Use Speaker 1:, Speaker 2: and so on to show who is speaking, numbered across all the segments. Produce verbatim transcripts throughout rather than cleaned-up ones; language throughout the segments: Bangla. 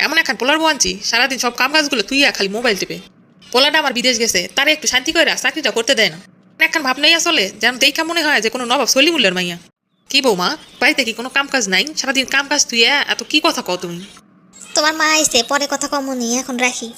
Speaker 1: এমন এখন পোলার বউ আনছি সারাদিন সব কাম কাজগুলো তুই খালি মোবাইল টিপে। পোলাটা আমার বিদেশ গেছে, তারে একটু শান্তি করে চাকরিটা করতে দেয় না। এখন ভাবনাই আসলে যেন দেখা মনে হয় যে কোনো নবাব সলিমুল্লার মাইয়া। কি বৌমা, বাড়িতে কি কোনো কাম কাজ নাই? সারাদিন কাম কাজ তুই এত কি কথা কও তুমি?
Speaker 2: তোমার মা আইছে, পরে কথা কমনি, এখন রাখি।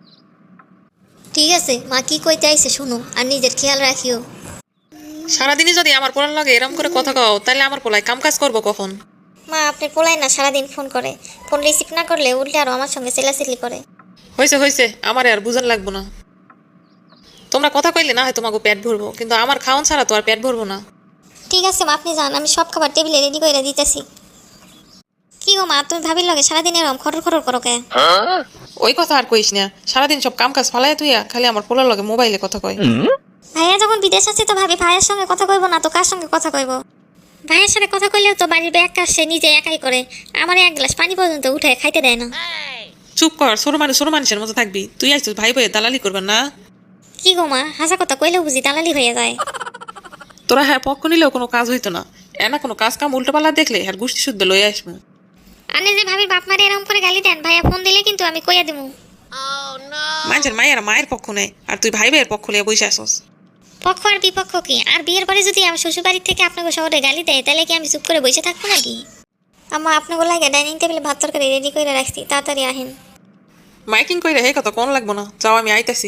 Speaker 2: ঠিক আছে মা, কি কইতে আইছে শুনো, আর নিজের খেয়াল রাখিও।
Speaker 1: সারাদিনই যদি আমার পোলার লাগে এরম করে কথা কও, তাহলে আমার পোলায় কাম কাজ করবো কখন?
Speaker 2: মা আপনার পোলাই না সারাদিন ফোন করে, ফোন রিসিভ না করলে উল্টে আরো আমার সঙ্গে চেলাচিলি করে।
Speaker 1: হয়েছে হয়েছে, আমার আর বুঝান লাগবো না। তোমরা কথা কইলে না হয় তোমাকে পেট ভরবো, কিন্তু আমার খাওয়ান ছাড়া তো আর পেট ভরবো না।
Speaker 2: ঠিক আছে মা, আপনি যান, আমি সব খাবার টেবিলে রেডি করে দিতেছি। কি গো মা, তুমি ভাবির লগে সারাদিন এরকম খটর খটর করো কে?
Speaker 1: ওই কথা আর কইস না, সারাদিন সব কাম কাজ ফালাই তুই খালি আমার পোলার লগে মোবাইলে কথা কয়।
Speaker 2: ভাইয়া যখন বিদেশ আছে তো ভাবি ভাইয়ের সঙ্গে কথা কইবো না তো কার সঙ্গে কথা কইবো? ভাইয়ের সাথে কথা কইলেও তো বাড়ির ব্যাগ কাজ সে নিজে একাই করে, আমার এক গ্লাস পানি পর্যন্ত উঠে খাইতে দেয় না।
Speaker 1: চুপ কর, ছোট মানুষ ছোট মানুষের মতো থাকবি। তুই আইছিস ভাই বইয়ে দালালি করবেন না?
Speaker 2: কি গো মা, হাসা কথা কইলেও বুঝি দালালি হয়ে যায়?
Speaker 1: তোরা হ্যাঁ পক্ষ নিলেও কোনো কাজ হইতো না, এনা কোনো কাজ কাম উল্টো পাল্লা দেখলে হ্যাঁ গোষ্ঠী শুদ্ধ লয়ে আসবো।
Speaker 2: আপনি যে ভাবির বাপ মারে এরকম করে গালি দেন, ভাইয়া ফোন দিলে কিন্তু আমি কইয়া দিমু।
Speaker 1: মানুষের মায়ের মায়ের পক্ষ নেই, আর তুই ভাই ভাইয়ের পক্ষ লিয়ে বসে আসস।
Speaker 2: পক্ষ আর বিপক্ষ কি? আর বিয়ের পরে যদি আমার শ্বশুর বাড়ির থেকে আপনাকে শহরে গালি দেয়, তাহলে কি আমি চুপ করে বসে থাকবো নাকি? আম্মা আপনাকে লাগে ডাইনিং টেবিলে ভাত তরকারি রেডি করে রাখছি, তাড়াতাড়ি আহেন।
Speaker 1: মাইকিং কইরা হে কথা কোন লাগবো না, যাও আমি আইতাছি।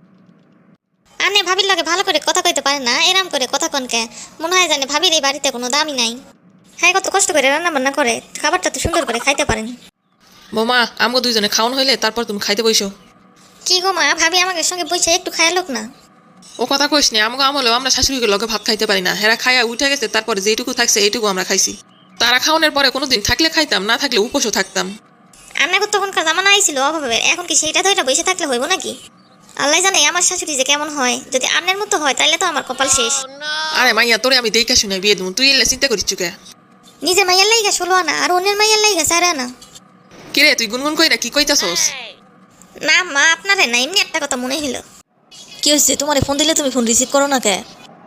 Speaker 2: আনে ভাবির লাগে ভালো করে কথা কইতে পারে না, এরাম করে কথা কনকে মনে হয় জানে ভাবির এই বাড়িতে কোনো দামই নাই। হ্যাঁ, কত কষ্ট করে রান্না বান্না করে, খাবারটা তো সুন্দর করে খাইতে পারেন।
Speaker 1: বৌমা, আমগো দুইজনে খাওন হইলে তারপর তুমি খাইতে বইসো।
Speaker 2: কি গো মা, ভাবি আমাকে সঙ্গে বসে একটু খায়ালোক না?
Speaker 1: ও কথা কইস নি, আমগো আমলেও আমরা শাশুড়িকে লগে ভাত খাইতে পারি না। হেরা খাইয়া উঠে গেছে, তারপরে যেটুকু থাকছে এইটুকু আমরা খাইছি। তারা খাওয়ানোর পরে কোনোদিন থাকলে খাইতাম, না থাকলে উপোসও থাকতাম।
Speaker 2: আপনাকে তখনকার জামানা আইছিল অভাবের, এখন কি সেইটা ধরে বসে থাকলে হইব নাকি? আল্লাহ জানে আমার শাশুড়ি যে কেমন হয়, যদি আপনার মতো হয় তাহলে তো আমার কপাল শেষ।
Speaker 1: আরে মাইয়া, তোরে আমি দেখা শুনে বিয়ে দেবো, তুই এলে চিন্তা করিস চুকে?
Speaker 2: নিজের মাইয়ার লাইগা ষোলো আনা আর অন্যের মাইয়ার লাইগা চার আনা।
Speaker 1: কিরে তুই গুনগুন কইরা কি কইতাছস?
Speaker 2: না মা, আপনারে না, এমনি একটা কথা মনে হইল।
Speaker 3: কি হয়েছে? তোমার ফোন দিলে তুমি ফোন রিসিভ করো না কে?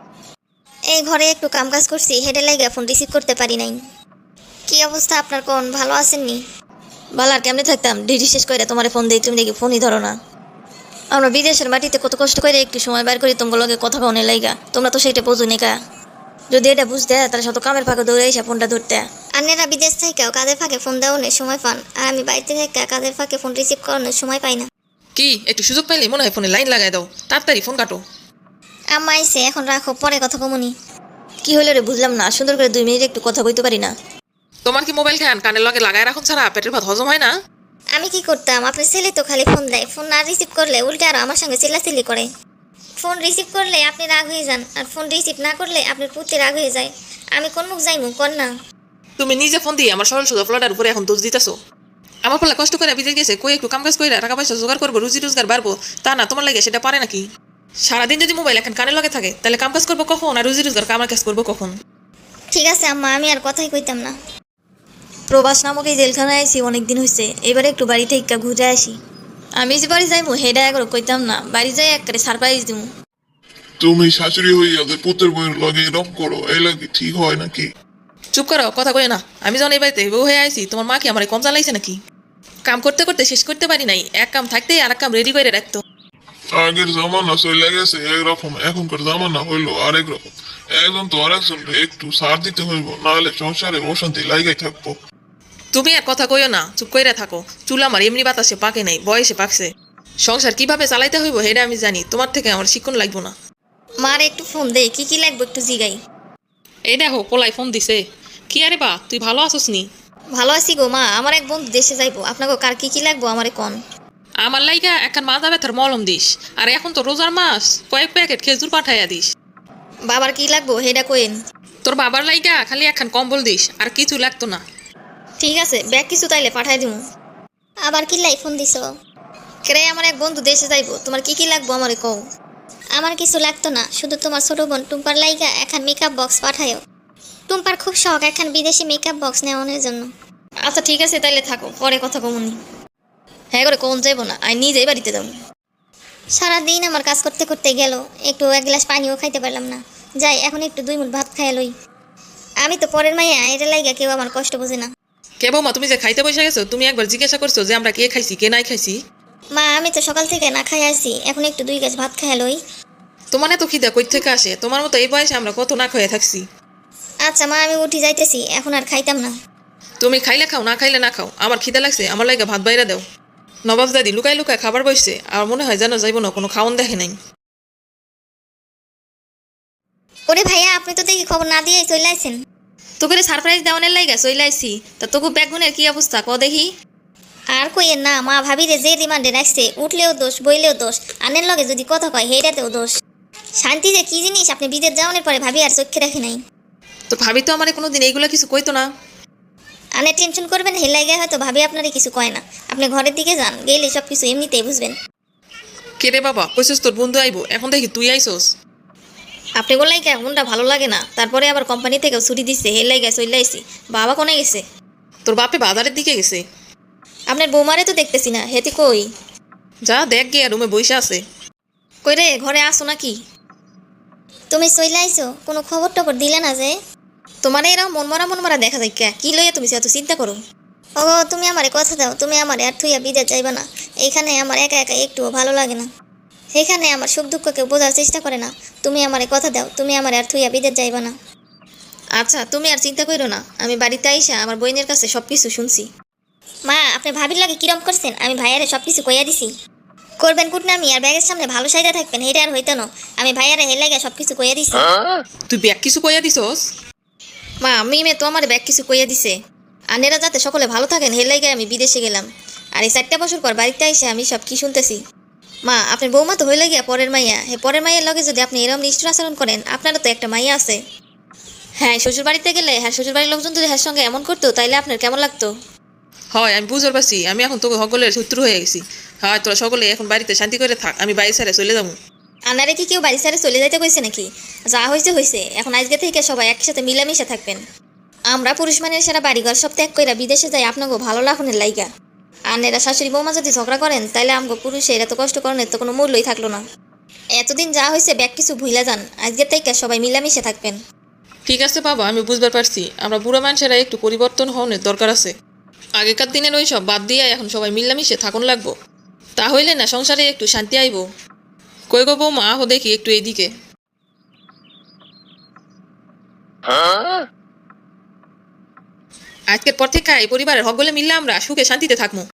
Speaker 2: এই ঘরে একটু কাম কাজ করছি, হেডে লাইগা ফোন রিসিভ করতে পারি নাই। কি অবস্থা আপনার, কোন ভালো আছেননি?
Speaker 3: বালার কেমনে থাকতাম, ডিউটি শেষ করে তোমার ফোন দিই, তুমি দেখি ফোনই ধরো না। আমরা বিদেশের মাটিতে কত কষ্ট করে একটু সময় বের করি তোমার লগে কথা কওয়ার লাইগা, তোমরা তো সেইটা বোঝো কা। যদি এটা বুঝতে তাহলে শত কামের ফাঁকে দৌড়ে এসে ফোনটা ধরতে।
Speaker 2: আন্নেরা বিদেশ থেকেও কাদের ফাঁকে ফোন দেওয়ানোর সময় পান, আর আমি বাড়িতে থেকে কাদের ফাঁকে ফোন রিসিভ করানোর সময় পাই না।
Speaker 1: কি একটু সুযোগ পাইলে মনে হয় ফোনে লাইন লাগাই দাও, তাড়াতাড়ি ফোন কাটো।
Speaker 2: আম্মা আইছে, এখন রাখো, পরে কথা কমুনি।
Speaker 3: কি হলো রে বুঝলাম না, সুন্দর করে দুই মিনিট একটু কথা কইতে পারি না?
Speaker 1: তোমার কি মোবাইল খান কানের লগে লাগায় রাখুন ছাড়া পেটের ভাত হজম হয় না?
Speaker 2: আমি কি করতাম, আপনার ছেলে তো খালি ফোন দেয়, ফোন না রিসিভ করলে উল্টে আরো আমার সঙ্গে চিল্লাচিল্লি করে। ফোন রিসিভ করলে আপনি রাগ হয়ে যান, আর ফোন রিসিভ না করলে আপনার পুত্রে রাগ হয়ে যায়। আমি কোন মুখ যাইমু কর না?
Speaker 1: তুমি নিজে ফোন দিয়ে আমার সরল সোজা ফ্লটার উপরে এখন দোষ দিতেছো। আমার ফলে কষ্ট করে বিদেশ গেছে, কই একটু কাম কাজ করে টাকা পয়সা জোগাড় করবো, রুজি রোজগার বাড়বো, তা না তোমার লাগে সেটা পারে নাকি? সারাদিন যদি মোবাইল এখন কানের লগে থাকে, তাহলে কাম কাজ করবো কখন, আর রুজি রোজগার কামার কাজ করবো কখন?
Speaker 2: ঠিক আছে আম্মা, আমি আর কথাই কইতাম না।
Speaker 3: প্রবাস নামক এই জেলখানায় আইসি অনেকদিন হয়েছে, এবারে একটু বাড়ি থেকে ঘুরে আসি। আমি যে বাড়ি যাইমু হেডা একবার কইতাম না, বাড়ি যাই একবারে সারপ্রাইজ দিমু।
Speaker 4: তুমি শাশুড়ি হইয়া যে পুত্রের বইয়ের লগে এরকম করো, এই লাগে ঠিক হয় নাকি?
Speaker 1: চুপ করো, কথা কই না। আমি যখন এই বাড়িতে বউ হয়ে আইছি, তোমার মা কি আমার কম চালাইছে নাকি? কাম করতে করতে শেষ করতে পারি নাই, এক কাম থাকতেই আর এক কাম রেডি করে রাখতো।
Speaker 4: আগের জামানা চলে গেছে একরকম, এখনকার জামানা হইলো আরেক রকম। একজন তো আরেকজন একটু সার দিতে হইব, নাহলে সংসারে অশান্তি লাগাই থাকবো।
Speaker 1: তুমি আর কথা কইও না, চুপ কইরা থাকো। চুল আমার এমনি বাতাসে পাকে নাই, বয়সে পাকছে। সংসার কিভাবে চালাইতে হইব সেটা আমি জানি, তোমার থেকে আমার শিক্ষণ লাগবো না।
Speaker 2: মার একটু ফোন দে, কি কি লাগবে একটু জিগাই।
Speaker 1: এই দেখো পোলাই ফোন দিছে। কি আরে বা, তুই ভালো আছোস নি?
Speaker 2: ভালো আছি গো মা, আমার এক বন্ধু দেশে যাইবো, আপনাকে কার কি কি লাগবো আমারে কোন।
Speaker 1: আমার লাইগা এখন মাজা ব্যথার মলম দিস, আর এখন তো রোজার মাস, কয়েক প্যাকেট খেজুর পাঠাইয়া দিস।
Speaker 2: বাবার কি লাগবো সেটা কইন।
Speaker 1: তোর বাবার লাইগা খালি এখন কম্বল দিস, আর কিছু লাগতো না।
Speaker 2: ঠিক আছে, ব্যাগ কিছু তাইলে পাঠাই দিমু। আবার কি লাই ফোন দিছো? কেরে আমার এক বন্ধু দেশে যাইবো, তোমার কি কি লাগবো আমারে কও। আমার কিছু লাগতো না, শুধু তোমার ছোট বোন টুম্পার লাইগা এখন মেকআপ বক্স পাঠায়ও। টুম্পার খুব শখ এখন বিদেশি মেকআপ বক্স নেওয়ানোর জন্য।
Speaker 3: আচ্ছা ঠিক আছে, তাইলে থাকো, পরে কথা কমুনি। হ্যাঁ করে কোন যাইবো না, আমি নিজেই বাড়িতে যাবো।
Speaker 2: সারাদিন আমার কাজ করতে করতে গেল, একটু এক গ্লাস পানিও খাইতে পারলাম না। যাই এখন একটু দুই মুঠ ভাত খাইয়া লই। আমি তো পরের মাইয়া, এটা লাইগা কেউ আমার কষ্ট বোঝে না।
Speaker 1: কে বৌমা তুমি যে খাইতে বসে গেছো, তুমি একবার জিজ্ঞাসা করছো যে আমরা কে খাইছি কে নাই খাইছি?
Speaker 2: মা আমি তো সকাল থেকে না খাই আসি, এখন একটু দুই গাছ ভাত খাই লই।
Speaker 1: তোমার এত খিদা কই থেকে আসে? তোমার মতো এই বয়সে আমরা কত না খেয়ে থাকছি।
Speaker 2: আচ্ছা মা আমি উঠি যাইতেছি, এখন আর খাইতাম না।
Speaker 1: তুমি খাইলে খাও, না খাইলে না খাও, আমার খিদা লাগছে, আমার লাগে ভাত বাইরে দাও। নবাব দাদি লুকাই লুকায় খাবার বসছে, আর মনে হয় যেন যাইব না, কোনো খাওন দেখে নাই।
Speaker 2: ওরে ভাইয়া আপনি তো দেখি খবর না দিয়েই চলে আসছেন।
Speaker 3: তোকে সারপ্রাইজ দেওয়ানের লাইগা চলে আইছি, তা তোকে ব্যাগুনের কি অবস্থা ক দেখি।
Speaker 2: আর কইয়ের না, মা ভাবিরে যে রিমান্ডে রাখছে, উঠলেও দোষ বইলেও দোষ, আনের লগে যদি কথা কয় হেটাতেও দোষ। শান্তি যে কি জিনিস আপনি বিদেশ যাওয়ানোর পরে ভাবি আর চোখে রাখি নাই।
Speaker 1: তো ভাবি তো আমার কোনোদিন এইগুলো কিছু কইতো না।
Speaker 2: আনে টেনশন করবেন হেলাই গায়ে হয়তো ভাবি আপনারই কিছু কয় না। আপনি ঘরের দিকে যান, গেলে সব কিছু এমনিতেই বুঝবেন।
Speaker 1: কে রে বাবা, কইছিস তোর বন্ধু আইবো, এখন দেখি তুই আইসোস।
Speaker 3: আপনি বললাই কে কোনটা ভালো লাগে না, তারপরে আবার কোম্পানি থেকেও ছুটি দিচ্ছে, হের লাইগা চলে আইছি। বাবা কোনে গেছে?
Speaker 1: তোর বাপে বাজারের দিকে গেছে।
Speaker 3: আপনার বৌমারে তো দেখতেছি না, হেতি কই?
Speaker 1: যা দেখ গিয়া রুমে বইসা আছে।
Speaker 3: কই রে, ঘরে আসো নাকি?
Speaker 2: তুমি চলে আইছো, কোনো খবর টবর দিলে না যে?
Speaker 3: তোমার এরকম মন মরা মন মরা দেখা যায় কে? কি লইয়া তুমি এত চিন্তা করো?
Speaker 2: ও তুমি আমারে কথা দাও, তুমি আমারে আর থুইয়া বিদেশ যাইবা না। এইখানে আমার একা একা একটুও ভালো লাগে না। সেখানে আমার সুখ দুঃখ কেউ বোঝার চেষ্টা করে না। তুমি আমারে কথা দাও, তুমি আমারে আর থুইয়া বিদেশ যাইবা না।
Speaker 3: আচ্ছা তুমি আর চিন্তা করো না, আমি বাড়িতে আইসা আমার বইনের কাছে সব কিছু শুনছি।
Speaker 2: মা আপনি ভাবির লাগে কিরম করছেন? আমি ভাইয়ারে সব কিছু কইয়া দিছি। করবেন কুটনামি আর ব্যাগের সামনে ভালো সাইডে থাকবেন, হেটা আর হইতো না। আমি ভাইয়ারে হের লাগে সব কিছু কইয়া দিছি।
Speaker 1: তুই ব্যাগ কিছু কইয়া দিছস?
Speaker 3: মা আমি মে তো আমার ব্যাগ কিছু কইয়া দিছে, আনেরা যাতে সকলে ভালো থাকেন হের লাইগায় আমি বিদেশে গেলাম। আর এই চারটা বছর পর বাড়িতে আইসে আমি সব কি শুনতেছি। মা আপনার বৌমা তো হইলে গিয়া পরের মাইয়া, হে পরের মাইয়ের লগে যদি আপনি এরকম নিষ্ঠুর আচরণ করেন, আপনারও তো একটা মাইয়া আছে। হ্যাঁ শ্বশুর বাড়িতে গেলে হ্যাঁ শ্বশুর বাড়ির লোকজন যদি হ্যার সঙ্গে এমন করতো তাইলে আপনার কেমন লাগতো?
Speaker 1: হয় আমি বুঝতে পারছি, আমি এখন তোকে সকলের শত্রু হয়ে গেছি। হয় তোরা সকলে এখন বাড়িতে শান্তি করে থাক, আমি বাড়ি ছেড়ে চলে যাবো।
Speaker 3: আনারে কি কেউ বাড়ি ছেড়ে চলে যাইতে কইছে নাকি? যা হয়েছে হয়েছে, এখন আজকে থেকে সবাই একসাথে মিলামিশে থাকবেন। আমরা পুরুষ মানের সেরা বাড়িঘর সব ত্যাগ কইরা বিদেশে যাই আপনাকে ভালো লাখনের লাইগা। আনেরা শাশুড়ি বৌমা যদি ঝগড়া করেন তাইলে আমগো পুরুষের এত কষ্ট করেন তো কোনো মূল্যই থাকলো না। এতদিন যা হয়েছে ব্যাগ কিছু ভুইলা যান, আজকে থেকে সবাই মিলামিশে থাকবেন।
Speaker 1: ঠিক আছে বাবা, আমি বুঝতে পারছি আমরা বুড়ো মানুষেরা একটু পরিবর্তন হওয়ার দরকার আছে। আগেকার দিনের ওই সব বাদ দিয়ে এখন সবাই মিলামিশে থাকুন লাগবো, তাহলে না সংসারে একটু শান্তি আইব। কই গো বৌমা, আহো দেখি একটু এইদিকে। আজকের পর থেকে এই পরিবারের সকলে মিললে আমরা সুখে শান্তিতে থাকবো।